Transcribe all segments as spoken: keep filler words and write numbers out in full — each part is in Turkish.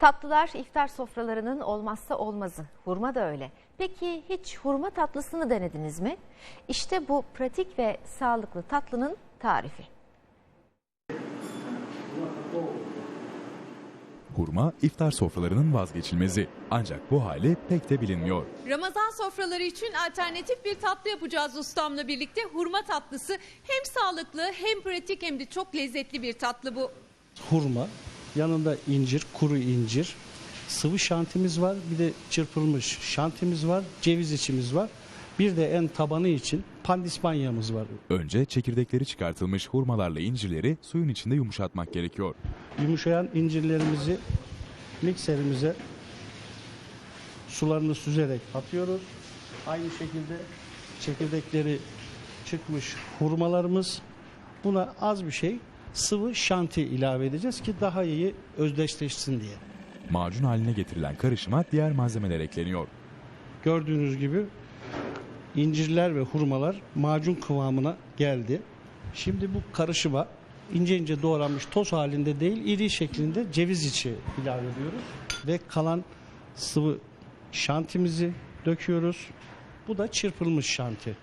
Tatlılar iftar sofralarının olmazsa olmazı. Hurma da öyle. Peki hiç hurma tatlısını denediniz mi? İşte bu pratik ve sağlıklı tatlının tarifi. Hurma iftar sofralarının vazgeçilmezi. Ancak bu hali pek de bilinmiyor. Ramazan sofraları için alternatif bir tatlı yapacağız ustamla birlikte. Hurma tatlısı hem sağlıklı hem pratik hem de çok lezzetli bir tatlı bu. Hurma, yanında incir, kuru incir, sıvı şantimiz var, bir de çırpılmış şantimiz var, ceviz içimiz var. Bir de en tabanı için pandispanyamız var. Önce çekirdekleri çıkartılmış hurmalarla incirleri suyun içinde yumuşatmak gerekiyor. Yumuşayan incirlerimizi mikserimize sularını süzerek atıyoruz. Aynı şekilde çekirdekleri çıkmış hurmalarımız. Buna az bir şey sıvı şanti ilave edeceğiz ki daha iyi özdeşleşsin diye. Macun haline getirilen karışıma diğer malzemeler ekleniyor. Gördüğünüz gibi incirler ve hurmalar macun kıvamına geldi. Şimdi bu karışıma ince ince doğranmış toz halinde değil, iri şeklinde ceviz içi ilave ediyoruz. Ve kalan sıvı şantimizi döküyoruz. Bu da çırpılmış şanti.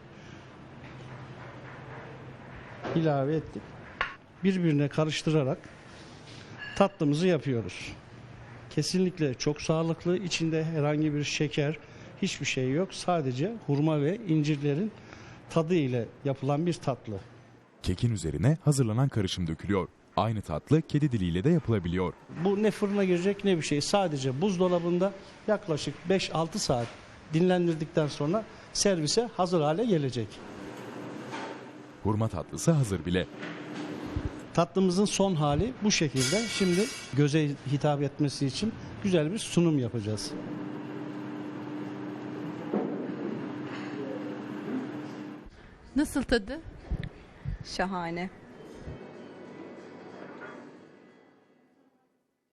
İlave ettik. Birbirine karıştırarak tatlımızı yapıyoruz. Kesinlikle çok sağlıklı. İçinde herhangi bir şeker, hiçbir şey yok. Sadece hurma ve incirlerin tadı ile yapılan bir tatlı. Kekin üzerine hazırlanan karışım dökülüyor. Aynı tatlı kedi diliyle de yapılabiliyor. Bu ne fırına girecek ne bir şey. Sadece buzdolabında yaklaşık beş altı saat dinlendirdikten sonra servise hazır hale gelecek. Hurma tatlısı hazır bile. Tatlımızın son hali bu şekilde. Şimdi göze hitap etmesi için güzel bir sunum yapacağız. Nasıl tadı? Şahane.